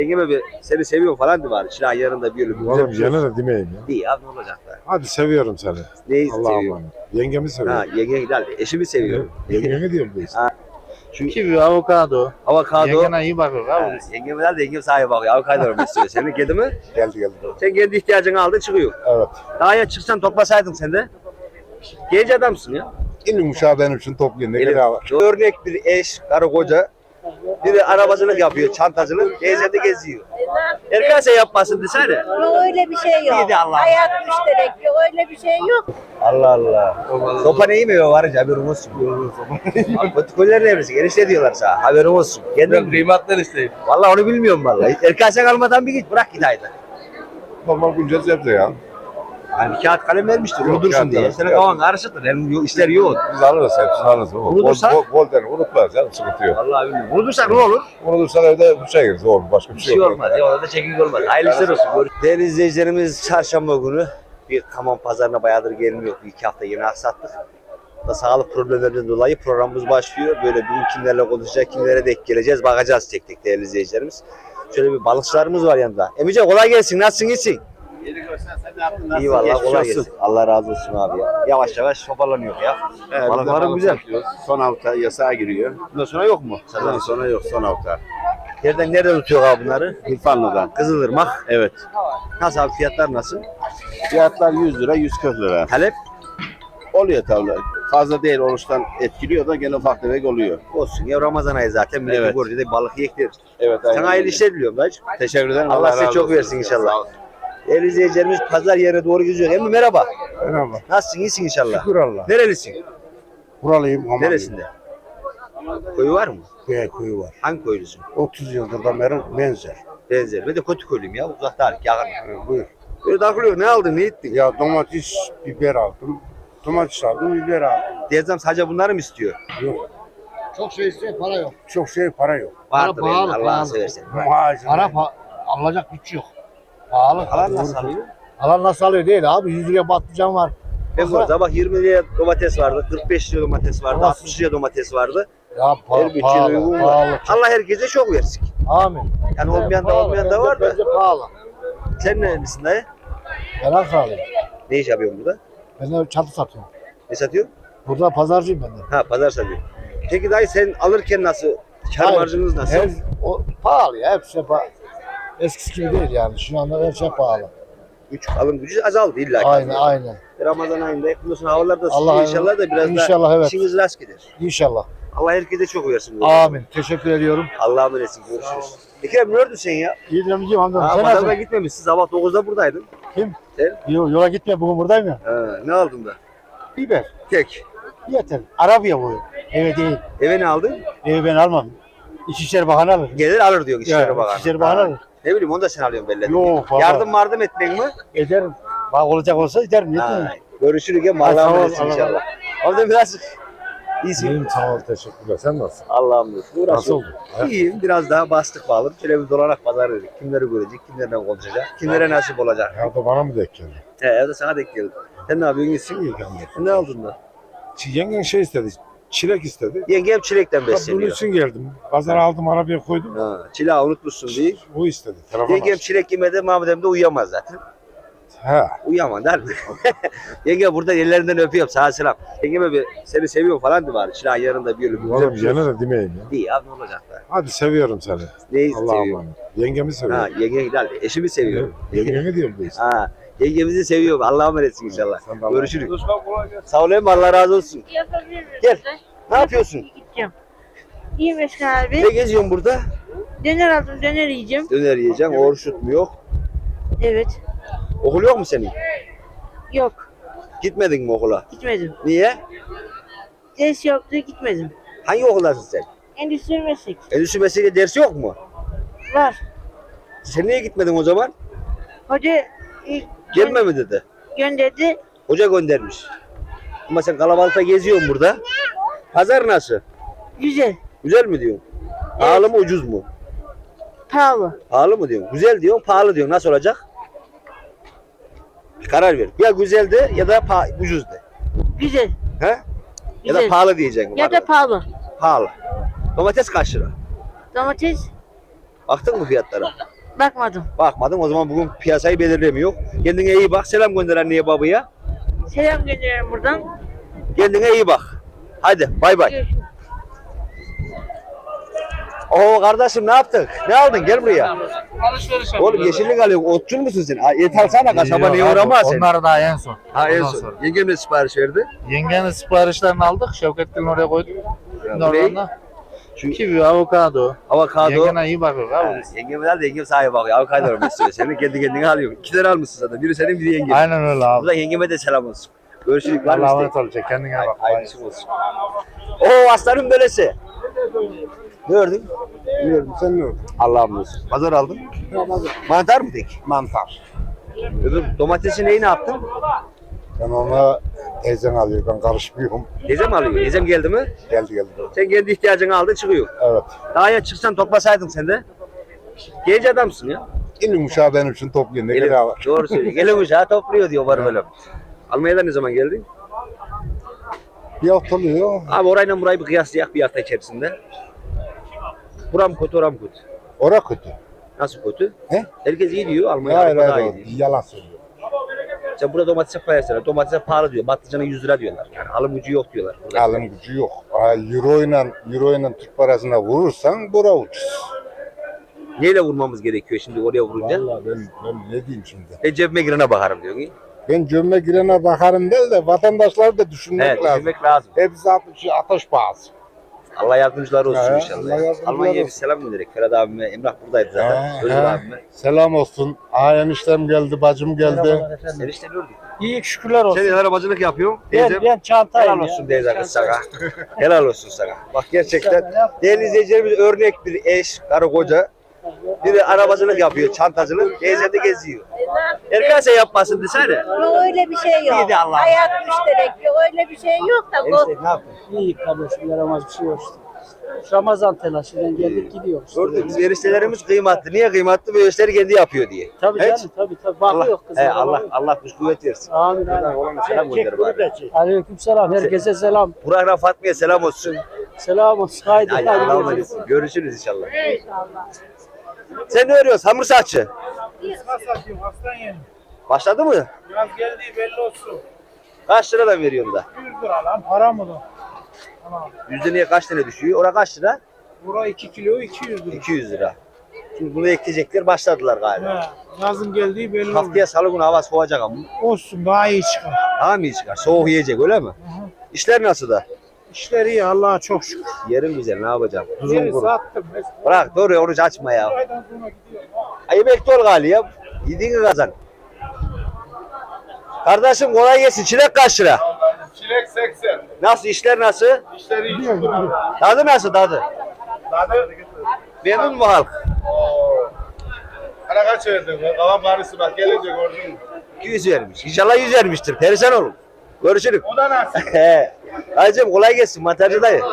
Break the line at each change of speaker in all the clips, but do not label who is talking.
Yengeme bir seni seviyorum falan diye var. Şilan yanında bir yolu.
Oğlum gene de demeyeyim ya.
Değil abi, ne olacak da.
Hadi seviyorum seni.
Neyi
Allah'a
seviyorum?
emanet. Yengemi
Ha,
seviyorum.
yenge gider. Eşimi seviyorum.
Yengemi diyorum biz.
Ha. Şu
Kivi, avokado.
avokado.
Yengene iyi bakıyor
Ha,
abi.
yengem gider de yengem sahibi bakıyor. Avokado besliyor. Senin kedi mi?
Geldi.
Sen kendi ihtiyacını aldın çıkıyor.
Evet.
Daha ya çıksan toplasaydın sen de. Genç adamsın ya.
İlim uşağı benim için toplayın. Ne
Benim
kadar var.
örnek bir eş, karı koca. Biri arabacılık yapıyor, çantacılık, teyze de geziyor. Erkanse yapmasın desene.
Yok öyle bir şey yok.
İyi de Allah.
Hayat müşterek yok öyle bir şey yok.
Allah Allah. Sopa ne yemiyor varınca haberin olsun. Protokoller ne bilirsin? Enişte diyorlar sana. Haberin olsun. Kendin
Kıymatlar isteyim.
vallahi onu bilmiyorum vallahi. Erkanse kalmadan bir git bırak git haydi.
Normal güncel sebze ya.
Hani bir kağıt kalem vermiştir,
Yok,
unutursun
kağıt
diye.
kalem.
Senin kafan karışıktır, hem işler yoğun.
Biz alırız hepsini alırız.
Unutursan?
Bol der unutmaz canım sıkıntı yok.
Vallahi bilmiyorum. Unutursak ne olur?
Unutursan evde bir şey gireriz olur. Başka bir
Bir
şey
şey
yok.
olmaz. Ya orada çekik olmaz. Hayırlı işler olsun. Değerli izleyicilerimiz, çarşamba günü bir Kaman pazarına bayağıdır gelmiyor. Bir iki hafta yeni aksattık. Da sağlık problemlerinden dolayı programımız başlıyor. Böyle bugün kimlerle konuşacak, kimlere denk geleceğiz, bakacağız tek tek değerli izleyicilerimiz. Şöyle bir balıkçılarımız var yanında. Emice kolay gelsin. Nasılsın, iyisin?
Yeni görsen sen ne yaptın?
İyi vallahi, kolay gelsin. Allah razı olsun abi ya. Yavaş yavaş toparlanıyor ya. Balıklarım güzel.
Son hafta yasağa giriyor.
Bundan sonra yok mu?
Ondan sonra yok son hafta.
Nereden tutuyor abi bunları?
İrfanlı'dan.
Kızılırmak.
Evet.
Nasıl abi, fiyatlar nasıl?
Fiyatlar 100 lira 140 lira.
Talep
Oluyor tabii. Fazla değil oruçtan etkiliyor da gene ufak tefek oluyor.
olsun ya, Ramazan ayı zaten. Millet
Evet.
görünce de balık yiyek deriz.
Evet.
Sana hayırlı işler diliyorum dayıcım.
Teşekkür ederim.
Allah size
razı
çok
olsun.
versin inşallah.
Sağ ol.
Değerli izleyicilerimiz pazar yerine doğru gidiyor. Emmi merhaba.
Merhaba.
Nasılsın? İyisin inşallah.
Şükür Allah.
Nerelisin?
Buralıyım ama.
Neresinde? Koyu var mı?
Köye kuyu var.
Hangi koylusun?
30 yıldır da beri benzer.
Benzer. Ben de kötü koyluyum ya. Uzakta artık yakın.
Buyur.
Böyle takılıyor. Ne aldın? Ne ettin?
Ya domates, biber aldım. Domates aldım, biber aldım.
Diyeceğim sadece bunları mı istiyor?
Yok.
Çok şey istiyor, para yok.
Çok şey para yok.
Vardır
pahalı,
yani, Allah'ını
pahalı.
seversen.
Muhacir.
Alacak güç yok. Pahalı.
Alan nasıl alıyor?
Alan nasıl alıyor değil abi. 100 liraya patlıcan var.
Ben burada bak 20 liraya domates vardı, 45 liraya domates vardı,
Ama-
60 liraya domates vardı.
Ya
Her bütçeye
pahalı,
uygun var.
pahalı.
Allah herkese çok versin.
Amin.
Yani olmayan da
Pahalı,
olmayan da var da.
Bence pahalı.
Sen nerelisin dayı?
Ben Ankara'lıyım.
Ne iş yapıyorsun burada?
Ben de çatı satıyorum.
Ne satıyorsun?
Burada pazarcıyım ben de.
Ha, pazar satıyorsun. Peki dayı sen alırken nasıl? Kar
Hayır,
marjınız nasıl?
O pahalı ya. Hepsi eskisi gibi değil yani. Şu anda her şey pahalı.
Alım gücü azaldı illa ki.
Aynen.
Ramazan ayında yakınıyorsun, havalar da
Allah-
sıcak inşallah da biraz
İnşallah,
da
evet.
işiniz rast gider.
İnşallah.
Allah herkese çok versin.
Amin. Teşekkür ediyorum.
Allah'a emanetsin. Görüşürüz. Ekrem neredesin sen ya?
İyi dinlemeyeceğim amcam.
Ha,
Sen
pazara
nasılsın?
gitmemişsin. Sabah 9'da buradaydın.
Kim?
Sen?
Yola gitme. Bugün buradayım ya.
Ha, ne aldın da?
Biber.
Tek.
Yeter. Arabaya bu. Eve değil.
Eve ne aldın?
Evi ben almam. İçişleri Bakanı alır.
Gelir alır diyor İçişleri
Ya,
Bakanı.
İçişleri Bakanı
Ha.
alır.
Ne bileyim, onu da sen alıyorsun belli.
Yok baba.
Yardım etmek mi?
Ederim. Bak olacak olsa ederim. Yetmiyor.
Ha, görüşürüz ya.
Hadi, sağ
Allah'a
ol,
emanet
Allah'a
inşallah. Orada biraz iyisin.
İyiyim sağ ol teşekkürler. Sen nasılsın?
Allah'a emanet.
Nasıl
Uğraşıyorum.
oldu?
İyiyim. Biraz daha bastık bağlı. Şöyle bir dolanak pazar dedik. Kimleri görecek, kimlerle konuşacak, kimlere nasip olacak.
Ya da bana mı denk geldi?
Evde sana denk geldi. Sen ne yapıyorsun? İyisin.
İyi kanka.
Ne aldın da?
Yengen şey istedi. Çilek istedi.
Yengem çilekten
Bunun
besleniyor.
için geldim. Pazara aldım arabaya koydum.
Ha, çileği unutmuşsun diye.
O istedi. Telefon
Yengem
açtı.
çilek yemedi, Mahmut de uyuyamaz zaten.
He.
Uyuyamaz der mi? Yenge burada ellerinden öpüyorum, sana selam. Yengeme bir seni seviyorum falan diye var. Çileğin yanında bir yolu.
Oğlum gene de demeyeyim ya.
İyi abi, ne olacak da.
Hadi seviyorum seni.
Neyi
Allah'a
seviyorum?
emanet. Yengemi
Ha,
seviyorum.
yenge gider. Eşimi seviyorum.
Yengemi diyorum biz.
Ha, yengemizi seviyorum. Allah'a emanetsin inşallah.
Sen de Allah'a
Görüşürüz. Sağ olayım, Allah razı olsun.
Yapabilir miyim?
Gel. Ne yapıyorsun?
Gideceğim. İyi Mesut abi.
Ne geziyorsun burada?
Döner aldım, döner yiyeceğim.
Döner yiyeceksin. Oruç mu yok?
Evet.
Okul yok mu senin?
Yok.
Gitmedin mi okula?
Gitmedim.
Niye?
Ders yoktu, gitmedim.
Hangi okuldasın sen?
Endüstri meslek.
Endüstri mesleği dersi yok mu?
Var.
Sen niye gitmedin o zaman?
Hoca ilk
Gelme mi dedi?
gönderdi.
Hoca göndermiş. Ama sen kalabalıkta geziyorsun burada. Pazar nasıl?
Güzel.
Güzel mi diyorsun? Pahalı mı ucuz mu?
Pahalı.
Pahalı mı diyorsun? Güzel diyorsun, pahalı diyorsun. Nasıl olacak? Bir karar ver. Ya güzel de ya da ucuz de.
Güzel.
He? Ya da
Güzel.
pahalı diyeceksin.
Ya da pahalı.
Pahalı. Domates kaç lira?
Domates
Baktın mı fiyatlara?
Bakmadım.
Bakmadın o zaman bugün piyasayı belirlemiyor. Kendine iyi bak. Selam gönder anneye babaya.
Selam gönderiyorum buradan.
Kendine iyi bak. Hadi bay bay.
Görüşürüz.
Oo kardeşim ne yaptık? Ne aldın? Gel buraya.
Alışveriş
Oğlum yeşillik alıyorsun. Otçul musun sen? Et alsana kasaba niye uğramaz sen?
Onlar daha en son.
Ha en
Ondan
son.
sonra.
Yengem de sipariş verdi.
Yengenin siparişlerini aldık. Şevket'in oraya koyduk.
Ya,
Normalde
Şu
kivi, avokado.
avokado.
Yengene iyi bakıyor
Ha,
abi.
yengem de yengem sahibi bakıyor. Avokado var mesela. Seni kendi kendine alıyor. 2 tane almışsın zaten. Biri senin biri yengem.
Aynen öyle abi.
Burada yengeme de selam olsun. Görüşürüz. Var mı
Allah'a
isteğin?
emanet olacak. Kendine bak.
Aynısı olsun. Oo aslanın böylesi. Ne gördün?
Bilmiyorum sen ne gördün?
Allah'ım olsun. Pazar aldın. Mantar mı tek?
Mantar.
Öbür domatesi neyi ne yaptın?
Ben ona teyzen alıyor. Ben karışmıyorum.
Teyzem alıyor. Teyzem geldi mi?
Geldi.
Sen kendi ihtiyacını aldın çıkıyor.
Evet.
Daha ya çıksan toplasaydın sen de. Genç adamsın ya.
Elin uşağı benim için topluyor. Ne gereği var?
Doğru söylüyor. Gelin uşağı topluyor diyor var böyle. Almanya'dan ne zaman geldin?
Bir hafta oluyor.
Abi orayla burayı bir kıyaslayak bir hafta içerisinde. Buram kötü, oram kötü.
Ora kötü.
Nasıl kötü?
He?
Herkes iyi diyor, Almanya
Hayır
Avrupa daha
hayır.
iyi diyor.
Yalan söylüyor.
Sen burada domatese koyarsan, domatese pahalı diyor, patlıcana 100 lira diyorlar. Yani alım gücü yok diyorlar. Burada.
Alım gücü yok. Euro ile Türk parasına vurursan bura ucuz.
Neyle vurmamız gerekiyor şimdi oraya vurunca?
Vallahi ben ne diyeyim şimdi?
Ben cebime girene bakarım diyor.
Ben cömme girene bakarım değil de vatandaşları da düşünmek
Evet,
lazım.
düşünmek lazım.
Hepsi ateş pahası.
Allah yardımcıları olsun
He,
inşallah.
Allah yardımcıları
Almanya'ya bir
olsun.
selam gönderek. Ferhat abime, Emrah buradaydı zaten. Özgür abime.
Selam olsun. Eniştem geldi, bacım geldi.
Enişte gördük.
İyi şükürler olsun.
Sen arabacılık yapıyorsun.
Ben,
Teyzem.
ben çantayım
Helal olsun teyze kız sana. Helal olsun sana. Bak gerçekten değerli izleyicilerimiz örnek bir eş, karı koca. Biri arabacılık yapıyor, çantacılık. Teyze de geziyor. Erkan sen yapmasın desene.
Yok öyle bir şey yok.
İyi de Allah'ım.
Hayat müşterek yok öyle bir şey yok da bu.
Enişte ne yaptın?
İyi kardeşim yaramaz bir şey yok işte. Ramazan telaşından geldik gidiyoruz.
Gördük biz eriştelerimiz kıymetli. Niye kıymetli? Bu erişteleri kendi yapıyor diye.
Tabii
Evet.
canım tabii. Bakıyor kızım.
Allah kuş kuvvet versin.
Amin.
Ona selam gönder bari.
Aleyküm selam. Herkese selam.
Burak'la Fatma'ya selam olsun.
Selam olsun. Haydi.
Hadi
haydi
Allah'a
görüşürüz.
emanet. Görüşürüz inşallah. Sen ne örüyorsun? Hamur saççı.
Satıyorum aslan yerim.
Başladı mı?
Biraz geldiği belli olsun.
Kaç liradan veriyorsun da?
100 lira lan para mı lan?
Yüzde niye kaç tane düşüyor? Ora kaç lira?
Bura 2 kilo 200 lira.
200 lira. Şimdi bunu ekleyecekler başladılar galiba.
He, yazın geldiği belli
Haftaya salı günü hava soğuyacak ama.
olsun daha iyi çıkar.
Daha mı iyi çıkar? Soğuk yiyecek öyle mi? İşler nasıl da?
İşleri iyi Allah'a çok şükür.
Yerin güzel ne yapacağım? Tuzun
Yeri
kuru.
sattım.
Bırak doğru oruç açma ya.
Aydan sonra gidiyor.
Ay emekli ol gali ya. Yediğini kazan. Kardeşim kolay gelsin. Çilek kaç lira?
Çilek 80.
Nasıl işler nasıl?
İşleri iyi.
Tadı nasıl tadı? Memnun mu halk?
Hala kaç verdin? Kalan parası bak gelince gördün mü?
200 vermiş. İnşallah 100 vermiştir. Perişan olun. Görüşürüz.
O da nasıl?
He. Hacım kolay gelsin mantarcı dayı.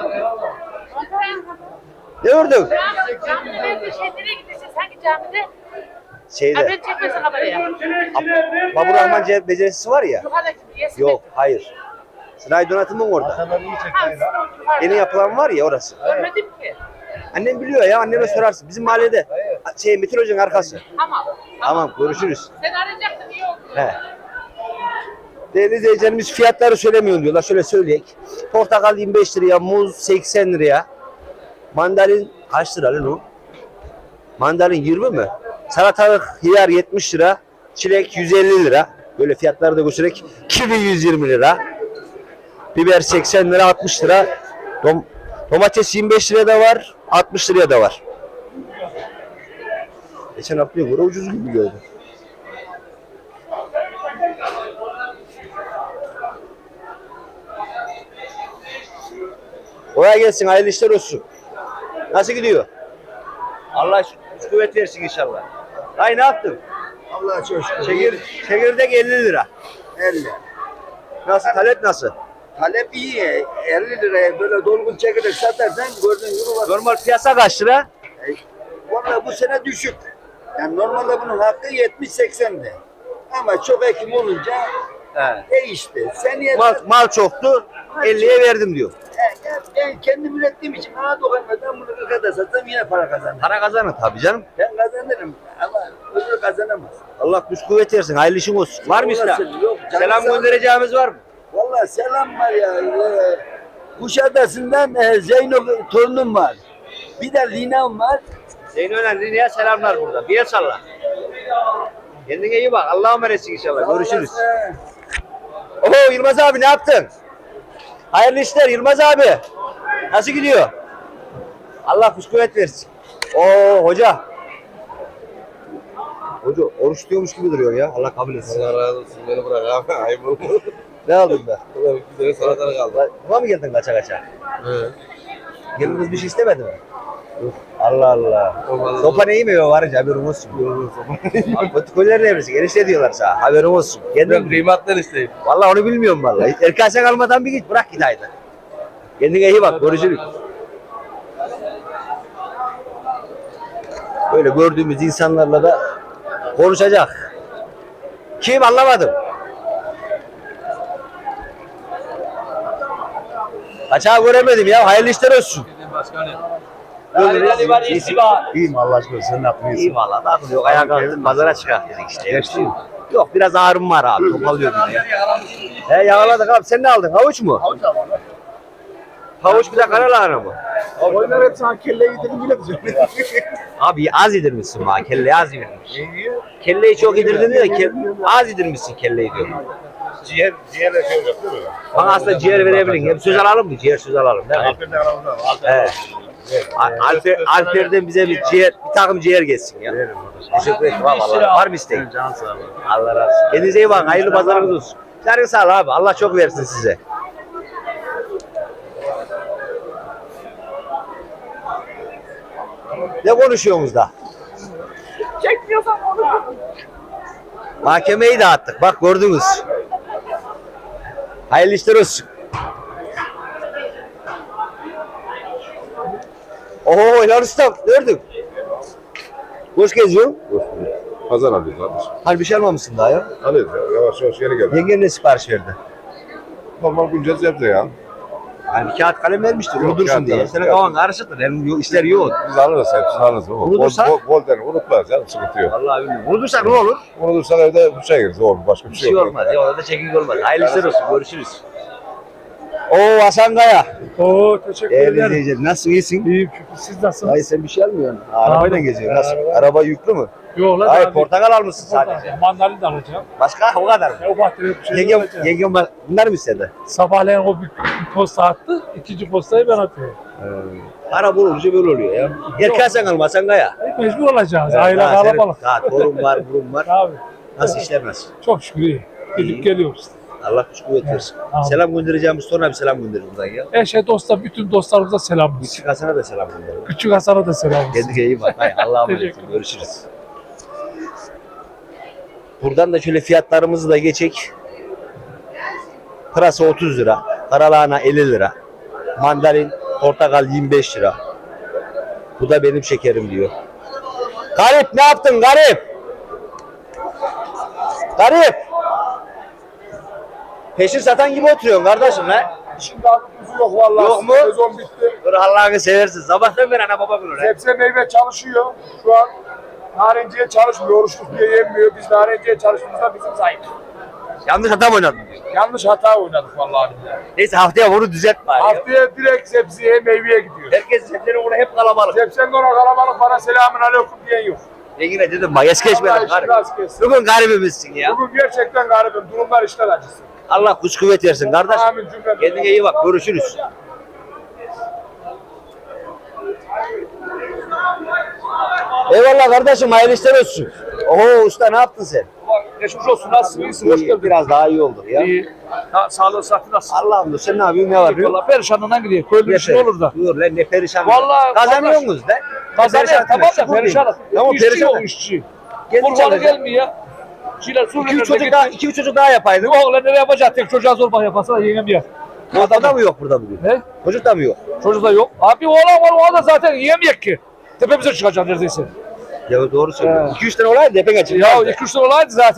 Ne gördün?
Camide şeylere gidiyorsun sanki camide.
Şeyde.
Haber çekmesin kameraya.
Babur Rahman becerisi var ya.
Yukarıdaki yesin.
Yok hayır. Sınai donatımın orada. Yeni yapılan var ya orası.
Görmedim ki.
Annem biliyor ya anneme sorarsın. Bizim mahallede Metin Hoca'nın arkası.
Tamam.
Tamam görüşürüz.
Sen arayacaktın iyi oldu.
He. Değerli izleyicilerimiz fiyatları söylemiyor diyorlar. Şöyle söyleyek. Portakal 25 liraya, muz 80 liraya. Mandalin kaç lira lan o? Mandalin 20 mi? Salatalık hiyar 70 lira. Çilek 150 lira. Böyle fiyatları da göstererek. Kivi 120 lira. Biber 80 lira, 60 lira. Domates 25 liraya da var, 60 liraya da var. Geçen haftaya göre ucuz gibi gördüm. Kolay gelsin, hayırlı işler olsun. Nasıl gidiyor? Allah kuvvet versin inşallah. Ay ne yaptın?
Allah'a çok şükür.
Çekirdek 50 lira.
50.
Nasıl, talep nasıl?
Talep iyi. 50 liraya böyle dolgun çekirdek satarsan gördüğün gibi var.
Normal piyasa kaç lira?
Vallahi bu sene düşük. Yani normalde bunun hakkı 70-80'di. Ama çok ekim olunca
He.
değişti. Seneye
Mal çoktu, 50'ye verdim diyor.
Ben kendim ürettiğim için bana dokunmadan bunu 40'a da satsam yine para kazanırım.
Para kazanır tabii canım.
Ben kazanırım ama öbürü kazanamaz.
Allah güç kuvvet versin. Hayırlı işin olsun. Var mı İslam?
Olasın, yok, canı
Selam
sağ ol.
göndereceğimiz var mı?
Vallahi selam var ya. Kuşadası'ndan Zeyno torunum var. Bir de Lina'm var.
Zeyno'yla Line'ye selamlar burada. Bir el salla. Kendine iyi bak. Allah'a emanetsin inşallah. Görüşürüz. Oho Yılmaz abi ne yaptın? Hayırlı işler Yılmaz abi. Nasıl gidiyor? Allah güç kuvvet versin. Oo hoca. Hoca oruç tutuyormuş gibi duruyor ya. Allah kabul etsin.
Allah razı olsun. Beni bırak abi. Ayıp oldu.
Ne aldın be?
Bir tane salatalık aldım.
Buna mı geldin kaça kaça?
Evet.
Gelin kız bir şey istemedi mi? Allah Allah.
Olmaz.
Sopa ne yemiyor varınca haberin olsun. Protokollerin evresi genişle diyorlar sana. Haberin olsun.
Ben
Kendin
kıymatlar isteyim.
vallahi onu bilmiyorum vallahi. Erken sen almadan bir git bırak git haydi. Kendine iyi bak görüşürüz. Böyle gördüğümüz insanlarla da konuşacak. Kim anlamadım. Kaçağı göremedim ya. Hayırlı işler olsun.
İyiyim Allah aşkına sen ne yapıyorsun?
İyi valla. Bakın yok ayağa kalktım pazara çıkart dedik işte.
Geçti mi?
Yok biraz ağrım var abi. Topalıyordum ya. He yağladık abi. Sen ne aldın? Havuç mu? Havuç abi. Havuç bir de kara lahana mı?
Oyunlar hep sana kelle yedirin yine diyeceğim.
Abi az yedirmişsin bana. Kelleyi az yedirmiş. Kelleyi çok yedirdin de az yedirmişsin kelleyi diyorum.
Ciğerle şey olacak değil mi?
Bana aslında ciğer verebilin. Hep söz alalım mı? Ciğer söz alalım değil mi?
Aferin aramızda.
Evet. Alper'den bize bir takım ciğer geçsin ya. Teşekkür ederim. Vallahi var mı isteğin?
Can sağ olun.
Allah razı olsun. Kendinize iyi bakın. Hayırlı pazarınız olsun. Canın sağ ol abi. Allah çok versin size. Ne konuşuyorsunuz da? Mahkemeyi dağıttık. Bak gördünüz. Hayırlı işler olsun. Oho helal ustam. Gördük. Hoş geziyorsun.
Pazar alıyoruz kardeşim.
Hani bir şey almamışsın daha ya.
Alıyoruz ya. Yavaş yavaş yeni geldi.
Yengen ne sipariş verdi?
Normal güncel sebze ya.
Yani bir kağıt kalem vermiştir.
Yok,
Unutursun
kağıt
diye.
kalem,
Senin
kağıt.
kavan karışıktır. Hem işler yoğun.
Biz alırız hepsini alırız.
Unutursak?
Bol den unutmaz canım sıkıntı yok.
Vallahi bilmiyorum. Unutursak ne olur?
Unutursan evde duşa gireriz oğlum. Başka bir
Bir
şey
şey
yok.
olmaz. Ya orada çekik olmaz. Hayırlı işler olsun. Görüşürüz. Oo Hasan Kaya.
Oo teşekkür
Değerli
ederim.
izleyiciler. Nasılsın? İyisin?
İyiyim şükür. Siz nasılsınız?
Hayır sen bir şey almıyorsun. Arabayla
Aldım.
geziyorsun. Nasıl? Araba yüklü mü?
Yok lan
Hayır
abi.
portakal almışsın sadece.
Mandalina da alacağım.
Başka o kadar mı?
O bahçede bir şey
Yengem,
alacağım.
yengem bunlar mı istedi?
Sabahleyin o bir posta attı. İkinci postayı ben atıyorum.
Para bulunca böyle oluyor ya. Erken sen alma Hasan Kaya.
Mecbur olacağız. Aile
Daha senin-
kalabalık.
Daha torun var, burun var.
Abi
Nasıl işler nasıl?
çok şükür iyi. Gidip geliyoruz.
Allah güç kuvvet versin.
Tamam.
Selam göndereceğimiz sonra bir selam gönderin buradan ya.
Eşe dosta bütün dostlarımıza selamımız.
Küçük Hasan'a da selam gönderin.
Küçük Hasan'a da selamımız.
Kendine iyi bak. Hay Allah'a emanet
Teşekkür
olun. Görüşürüz. Buradan da şöyle fiyatlarımızı da geçek. Pırasa 30 lira. Karalahana 50 lira. Mandalin, portakal 25 lira. Bu da benim şekerim diyor. Garip ne yaptın garip? Garip. Peşin satan gibi oturuyorsun kardeşim lan.
Şimdi abi kuzu yok vallahi.
Yok mu?
Sezon bitti.
Dur Allah'ını seversin. Sabahtan beri ana baba günü lan.
Sebze meyve çalışıyor. Şu an narenciye çalışmıyor. Oruçluk diye yenmiyor. Biz narenciye çalıştığımızda bizim zayıf.
Yanlış hata mı oynadın?
Yanlış hata oynadık vallahi billahi.
Neyse haftaya bunu düzelt bari. ya.
Haftaya direkt sebzeye meyveye gidiyor.
Herkes sebzenin orada hep kalabalık.
Sebzenin ona kalabalık bana selamün aleyküm diyen yok.
Yine dedim bak es geçmedim.
Allah işini
garip.
rast kessin.
Bugün garibimizsin ya.
Bugün gerçekten garibim. Durumlar işler acısı.
Allah güç kuvvet versin kardeş.
Amin cümlemize.
Kendine iyi bak. Görüşürüz. Eyvallah kardeşim. Hayırlı işler olsun. Oho usta ne yaptın sen?
Geçmiş olsun. Nasılsın? İyisin. Hoş
İyi,
geldin.
biraz daha iyi oldu ya.
İyi. Sağlığı sıhhati nasıl?
Allah'ım da sen ne yapıyorsun ne var?
Valla perişanından gidiyor. Köylü bir şey olur da.
Dur lan ne perişan.
Vallahi
kazanıyor musunuz lan?
Kazanıyor tamam da perişan.
Tamam
İşçi
perişan.
yok işçi.
Kendi
Kurbanı
çalışıyor.
gelmiyor ya. Şeyler Suriye'de
2-3 çocuk daha yapaydın.
Yok lan ne yapacak? Tek çocuğa zor yapasana yengem yer.
Adam da mı yok burada bugün?
Ne?
Çocuk da mı yok?
Çocuk da yok. Abi oğlan var o da zaten yiyemeyecek ki. Tepemize çıkacak neredeyse.
Ya doğru söylüyorsun. 2-3 tane olaydı depek açıldı.
Ya 2-3 lira olaydı zaten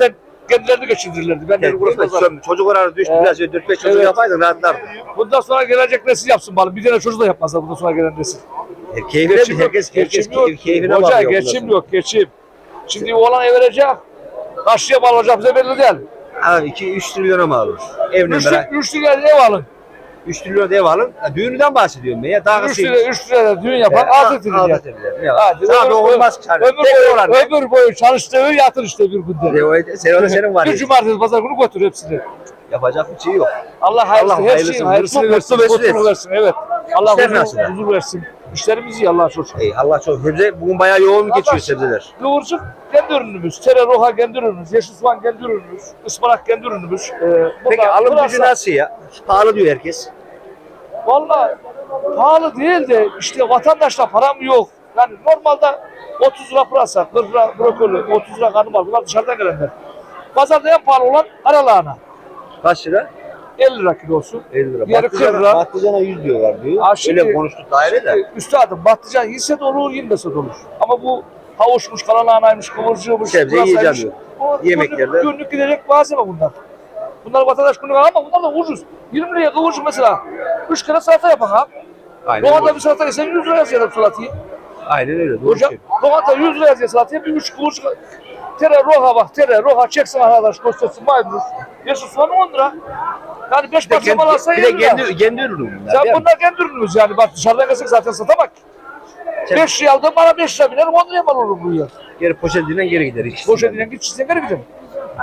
kendilerini geçindirirlerdi. Ben de uğraşmazlar.
Çocuk oranı düştü
Evet.
biraz. 4-5 çocuk
Evet.
yapaydın rahatlardın.
Bundan sonra gelecek nesil yapsın bana. Bir tane çocuk da yapmazlar bundan sonra gelen nesil.
Keyfine
Geçim yok,
herkes
geçim yok.
keyfine
Hoca
bakıyor.
geçim yok, geçim. Şimdi oğlan ev verecek. Kaçlıya mal alacak bize belli değil.
Abi 2-3 trilyona mal olur. Evine
3 liraya ev alın.
3 trilyon ev alın. Ha, düğününden bahsediyorum ben ya. Daha
3 liraya düğün yapan altı liraya. Hadi,
Sana dokunmaz çare.
Ömür boyu çalıştığı yatır işte bir günde.
Senin var
Bir
ya.
cumartesi pazar günü götür hepsini.
Yapacak bir şey yok.
Allah hayırlısı,
Allah
her
hayırlısını,
şeyin hayırlısını
mutlu
versin,
mesut
mutluluk versin. Evet. Allah
İşler nasıl?
huzur versin. İşlerimiz iyi Allah'a çok şükür.
Ey Allah çok. Sebze bugün bayağı yoğun geçiyor sebzeler.
Kıvırcık kendi ürünümüz, tere roha kendi ürünümüz, yeşil soğan kendi ürünümüz, ıspanak kendi ürünümüz.
Peki alım gücü nasıl ya? Pahalı diyor herkes.
Vallahi pahalı değil de işte vatandaşla param yok. Yani normalde 30 lira pırasa, 40 lira brokoli, 30 lira karnabahar. Bunlar dışarıdan gelenler. Pazarda en pahalı olan karalahana.
Kaç lira?
50 lira kilosu.
50 lira.
Diğeri 40 lira.
Patlıcana 100 diyorlar diyor.
Ha, şimdi-
Öyle konuştuk daire de.
Üstadım patlıcan yiyse de olur, yemese de olur. Ama bu havuçmuş, karalahanaymış, kıvırcığımış,
Sebze
pırasaymış.
yiyeceğim
Bu
Yemeklerde.
Günlük gidecek malzeme bunlar. Bunlar vatandaş günlük al ama bunlar da ucuz. 20 liraya kıvırcık mesela. 3 kere salata yapan ha.
Aynen
Doğada
öyle.
bir salata yesen 100 lira yazıyor salatayı.
Aynen öyle. Doğru
Hocam
şey.
doğada 100 lira yazıyor salataya bir 3 kıvırcık. Tere roha bak, tere roha çeksin arkadaş, göstersin maydanoz. Yeşil soğan 10 lira. Yani 5 parça mal alsa
Bir de
20 lira.
kendi ürünü bunlar.
Sen
değil mi?
bunlar kendi ürünümüz yani. Bak dışarıdan gelsek zaten satamak. 5 liraya aldığım bana 5 lira biner, 10 liraya mal olur bu ya.
Geri poşetinden geri gider. ikisi.
Boş edilen git çizsen geri gidelim.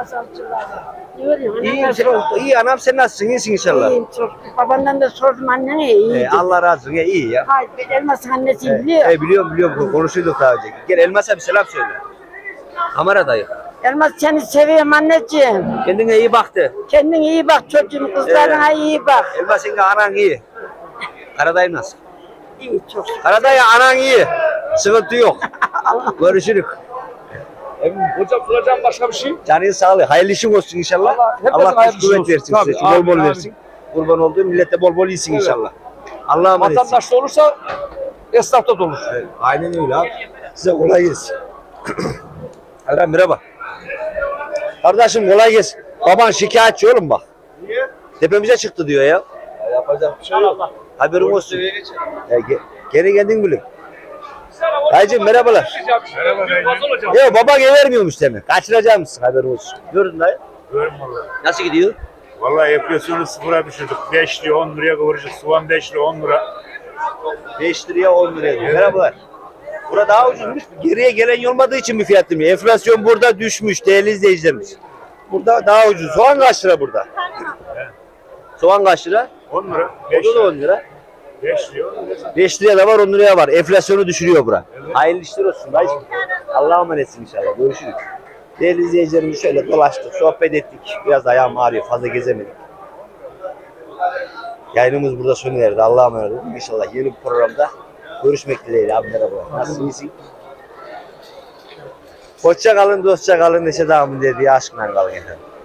İyi anam sen nasılsın? İyisin inşallah.
İyiyim çok. Babandan da sordum annene iyi.
Allah razı olsun. İyi ya.
Hayır ben Elmas'ın annesiyim biliyor.
Biliyorum. Konuşuyorduk daha önce. Gel Elmas'a bir selam söyle. Kamera dayı.
Elmas seni seviyorum anneciğim.
Kendine iyi baktı.
Kendin iyi bak çocuğum kızlarına iyi bak.
Elmas senin anan iyi. Karadayı nasıl?
İyi çok.
Karadayı anan iyi. Sıkıntı yok. Görüşürük.
Hocam soracağım başka bir şey.
Canın sağlığı. Hayırlı işin olsun inşallah.
Hepimizin
Allah
hayırlı
güç
işi
kuvvet
olsun.
versin
Tabii,
size. Bol
amin,
bol
amin.
versin. Kurban olduğum millete bol bol iyisin
Evet.
inşallah. Allah'a emanet.
Vatandaş da olursa esnaf da olur.
Evet, aynen öyle abi. Size kolay gelsin. Hala merhaba. Kardeşim kolay gelsin. Baban şikayetçi oğlum bak.
Niye?
Tepemize çıktı diyor ya.
Yapacak bir şey yok.
Haberin olsun. Geri geldin gülüm. Dayıcığım merhabalar. Ya baban ev vermiyormuş demek. Kaçıracak mısın haberin olsun. Gördün dayı.
Görüm valla.
Nasıl gidiyor?
Valla enflasyonu sıfıra düşürdük. 5 liraya 10 liraya kıvırcık. Soğan 5 liraya 10 lira.
5 liraya 10 liraya diyor. Merhabalar. Burada daha ucuzmuş. Geriye gelen olmadığı için bir fiyat demiyor. Enflasyon burada düşmüş değerli izleyicilerimiz. Burada daha ucuz. Soğan kaç lira burada? Soğan kaç lira?
10 lira. 5
Burada da
lira.
10 lira.
5 liraya 10 lira.
5 liraya da var 10 liraya var. Enflasyonu düşürüyor bura. Hayırlı işler olsun dayıcım. Allah'a emanetsin inşallah. Görüşürüz. Değerli izleyicilerimiz şöyle dolaştık, sohbet ettik. Biraz ayağım ağrıyor, fazla gezemedik. Yayınımız burada sona erdi. Allah'a emanet olun. İnşallah yeni bir programda görüşmek dileğiyle. Abi merhaba. Nasılsın, iyisin? Hoşça kalın, dostça kalın, neşe devamın dediği aşkla kalın efendim.